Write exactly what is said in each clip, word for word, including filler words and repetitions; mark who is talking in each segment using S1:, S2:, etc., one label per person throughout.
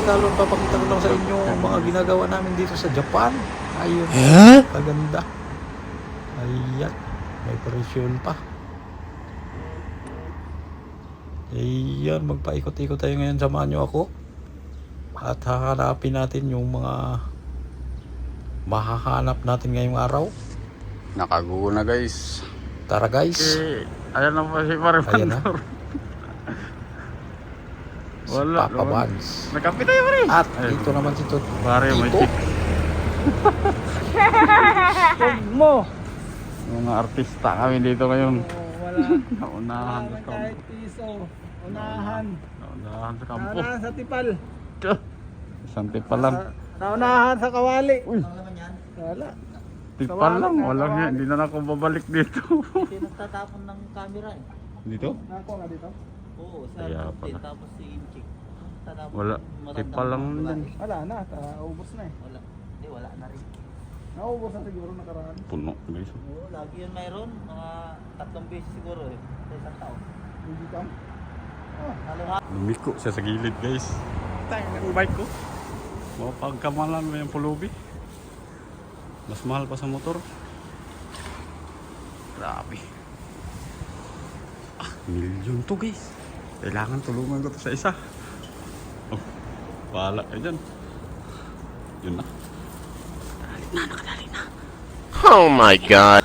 S1: kalon, papakita ko lang sa inyo ang mga ginagawa namin dito sa Japan. Ayun, kaganda. Ayan, may presyon pa. Ayan, magpaikot-ikot tayo ngayon. Samahan nyo ako. At hahanapin natin yung mga mahahanap natin ngayong araw.
S2: Nakagugo na guys.
S1: Tara guys.
S2: Eh, ayan na po si Pare
S1: Ayan na.
S2: Pandor.
S1: Si
S2: Wala.
S1: Papa Bans.
S2: Nagkape tayo Pare.
S1: At
S2: Ayun.
S1: ito naman si Tot.
S2: Pare, may
S1: Tito.
S2: chick. Huwag mo. Mga artista kami dito ngayon.
S3: Wala.
S2: Naunahan sa
S3: Wala
S2: kampo.
S3: kahit piso. Unahan.
S2: Naunahan sa kampo.
S3: Naunahan sa tipal.
S2: Tiyah. Isang tipal lang.
S3: Na- Naunahan sa kawali.
S2: Uy,
S3: Wala.
S2: tipal lang.
S3: Kawali,
S2: Walang
S3: kawali.
S2: yan. Hindi na ako babalik dito.
S4: Kasi nagtatapon ng camera eh.
S2: Dito?
S3: Ako nga dito.
S4: Oo, sa
S2: Kaya
S4: mountain,
S2: pala.
S4: tapos si Inchik. Tatapon
S2: Wala.
S4: ng matandang
S2: Tipal lang
S4: babae.
S2: din.
S3: Wala na. Naubos na eh.
S4: Wala. Hindi, wala na rin.
S3: Naubos na siguro nakaraan.
S2: Puno guys.
S4: Oo, lagi yun mayroon. Mga tatlong beses siguro eh. Sa isang taon.
S3: Hindi ka. Ah,
S4: Haluha.
S2: Lumiko siya sa gilid guys. Tayo ng bike ko. Mapagkamalan mo yung pulubi. Mas mahal pa sa motor. Grabe. Ah, milyon to guys. Kailangan tulungan ko to sa isa. Oh, bahala ka dyan. Yun na. Nakadali na, nakadali na.
S5: Oh my God.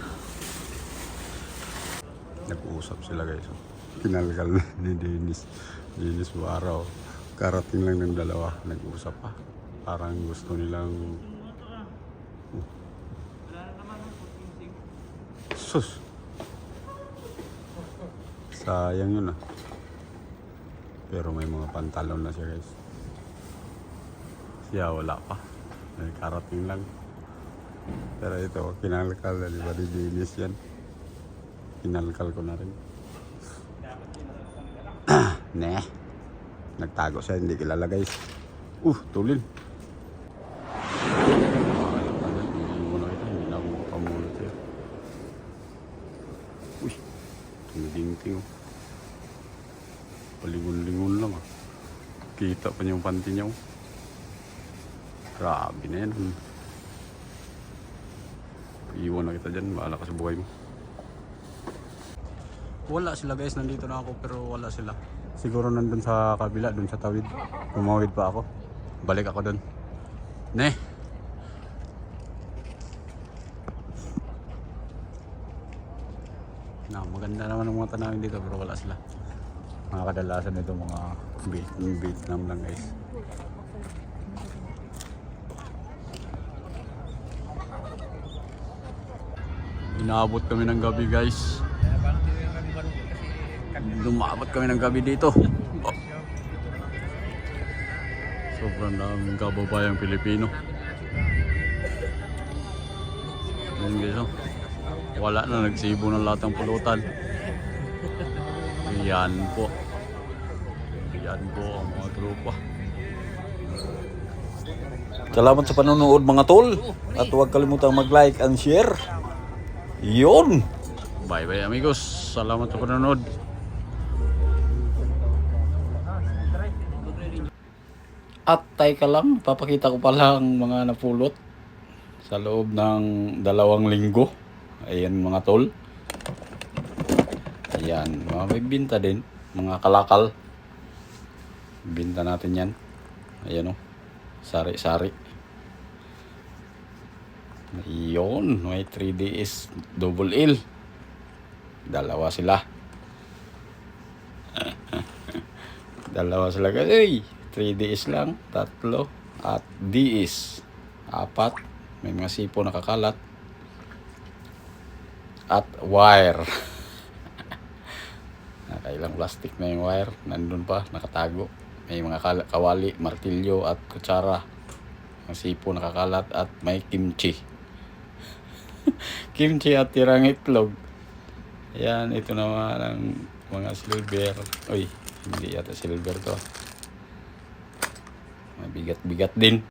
S2: Nag-uusap sila guys. Oh. Kinalkal na ni Dennis. Dennis Buaraw. Karating lang ng dalawa. Nag-uusap pa. Parang gusto nilang... Oh. Sus! Sayang yun ah. Pero may mga pantalon na siya guys. Siya wala pa. Nagkarating lang. Pero ito, kinalkal na di ba ni Dennis yan? Kinalkal ko na rin. Ne. Nagtago siya, hindi kilala guys. Uh, tulin. Hindi mo na kita, hindi na ako makapamulot siya. Uy, tumiding-ting. Palingon-lingon lang ah. Kita pa niya yung panty niya. Grabe na yan. Iwan na kita dyan, bahala ka sa buhay mo. Wala sila guys, nandito na ako pero wala sila. Siguro nandun sa kabila, dun sa tawid. Kumawid pa ako. Balik ako dun. Ne! Na, maganda naman ang mga tanawin dito pero wala sila. Mga kadalasan nito mga Vietnam lang guys. Inaabot kami ng gabi guys. Lumabot kami ng gabi dito. Oh. Sobrang daming kababayang Pilipino. Ayan guys oh. Wala na, nagsibo ng lahat ng pulutan. Ayan po. Ayan po ang mga tropa.
S1: Salamat sa panonood mga tol. At huwag kalimutang mag-like and share. Yun!
S2: Bye bye amigos. Salamat sa panonood.
S1: At teka lang, papakita ko pala ang mga napulot sa loob ng dalawang linggo. Ayan mga tol. Ayan, mga may binta din. Mga kalakal. Binta natin yan. Ayan o. Sari-sari. Ayun, may three D S double L. Dalawa sila. Dalawa sila kasi. three D S lang, tatlo. At D S, apat. May mga sipo nakakalat. At wire. Nakailang plastic na yung wire. Nandun pa, nakatago. May mga kawali, martilyo at kutsara. Mga sipo nakakalat at may kimchi. Kimchi at tirang itlog. Yan, ito naman ang mga silver. Uy, hindi yata silver to. Mabigat-bigat din.